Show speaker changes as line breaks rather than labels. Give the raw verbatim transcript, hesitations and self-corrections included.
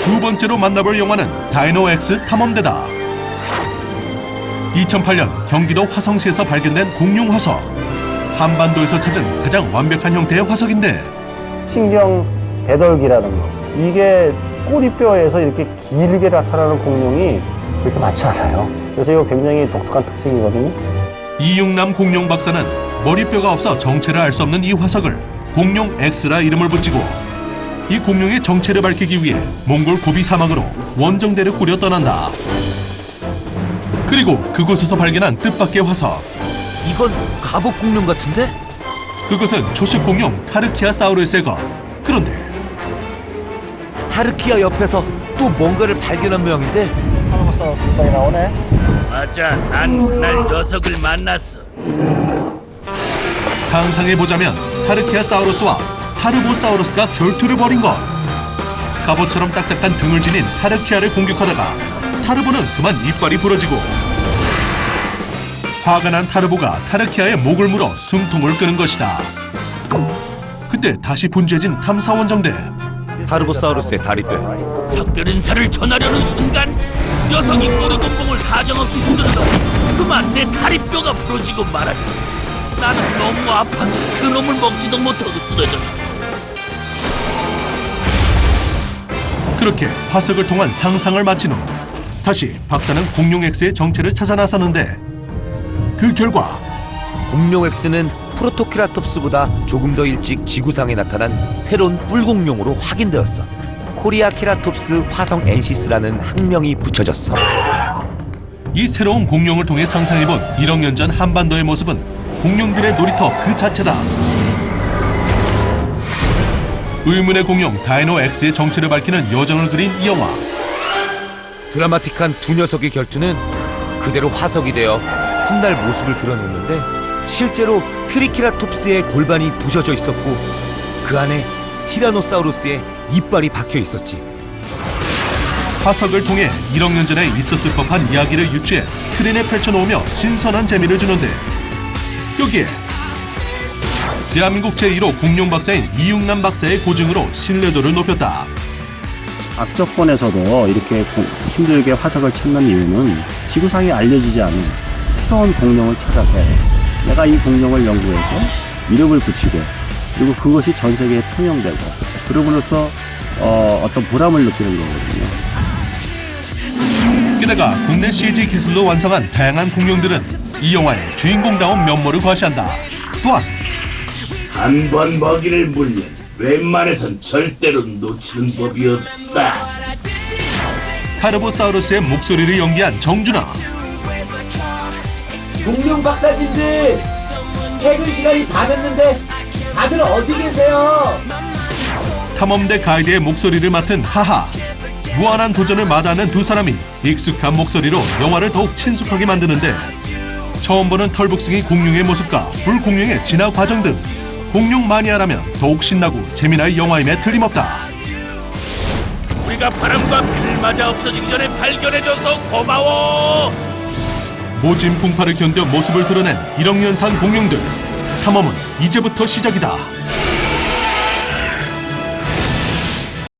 두 번째로 만나볼 영화는 다이노엑스 탐험대다. 이천팔 년 경기도 화성시에서 발견된 공룡 화석. 한반도에서 찾은 가장 완벽한 형태의 화석인데
신경 배덜기라는 거. 이게 꼬리뼈에서 이렇게 길게 나타나는 공룡이 그렇게 많지 않아요. 그래서 이거 굉장히 독특한 특징이거든요.
이육남 공룡 박사는 머리뼈가 없어 정체를 알 수 없는 이 화석을 공룡 X라 이름을 붙이고 이 공룡의 정체를 밝히기 위해 몽골 고비 사막으로 원정대를 꾸려 떠난다. 그리고 그곳에서 발견한 뜻밖의 화석.
이건 갑옷 공룡 같은데?
그것은 초식 공룡 타르키아사우루스의 것. 그런데
타르키아 옆에서 또 뭔가를 발견한 모양인데?
타르보사우루스 빨리 나오네.
맞아, 난 그날 녀석을 만났어.
상상해보자면 타르키아사우루스와 타르보사우루스가 결투를 벌인 것. 갑옷처럼 딱딱한 등을 지닌 타르키아를 공격하다가 타르보는 그만 이빨이 부러지고 화가 난 타르보가 타르키아의 목을 물어 숨통을 끄는 것이다. 그때 다시 분주해진 탐사원정대.
타르보사우루스의 다리뼈.
작별 인사를 전하려는 순간 녀석이 꼬리곰봉을 사정없이 흔들어서 그만 내 다리뼈가 부러지고 말았지. 나는 너무 아파서 그놈을 먹지도 못하고 쓰러졌어.
그렇게 화석을 통한 상상을 마친 후 다시 박사는 공룡 X의 정체를 찾아 나서는데 그 결과
공룡 X는 프로토케라톱스보다 조금 더 일찍 지구상에 나타난 새로운 뿔공룡으로 확인되었어. 코리아 케라톱스 화성 엔시스라는 학명이 붙여졌어.
이 새로운 공룡을 통해 상상해본 일억 년 전 한반도의 모습은 공룡들의 놀이터 그 자체다. 의문의 공룡 다이노 X의 정체를 밝히는 여정을 그린 이 영화.
드라마틱한 두 녀석의 결투는 그대로 화석이 되어 훗날 모습을 드러냈는데 실제로 트리케라톱스의 골반이 부셔져 있었고 그 안에 티라노사우루스의 이빨이 박혀 있었지.
화석을 통해 일억 년 전에 있었을 법한 이야기를 유추해 스크린에 펼쳐놓으며 신선한 재미를 주는데 여기에 대한민국 제일 호 공룡 박사인 이육남 박사의 고증으로 신뢰도를 높였다.
악조건에서도 이렇게 고, 힘들게 화석을 찾는 이유는 지구상에 알려지지 않은 새로운 공룡을 찾아서 내가 이 공룡을 연구해서 이름을 붙이고 그리고 그것이 전 세계에 통용되고 그러므로써 어, 어떤 보람을 느끼는 거거든요.
게다가 국내 씨지 기술로 완성한 다양한 공룡들은 이 영화의 주인공다운 면모를 과시한다. 또한
한 번 먹이를 물면 웬만해선 절대로 놓치는 법이 없다.
타르보사우루스의 목소리를 연기한 정준하.
공룡 박사님들 퇴근 시간이 다 됐는데 다들 어디 계세요?
탐험대 가이드의 목소리를 맡은 하하. 무한한 도전을 마다하는 두 사람이 익숙한 목소리로 영화를 더욱 친숙하게 만드는데 처음 보는 털북숭이 공룡의 모습과 불공룡의 진화 과정 등 공룡 마니아라면 더욱 신나고 재미날 영화임에 틀림없다.
우리가 바람과 비를 맞아 없어지기 전에 발견해줘서 고마워.
모진 풍파를 견뎌 모습을 드러낸 일억 년 산 공룡들. 탐험은 이제부터 시작이다.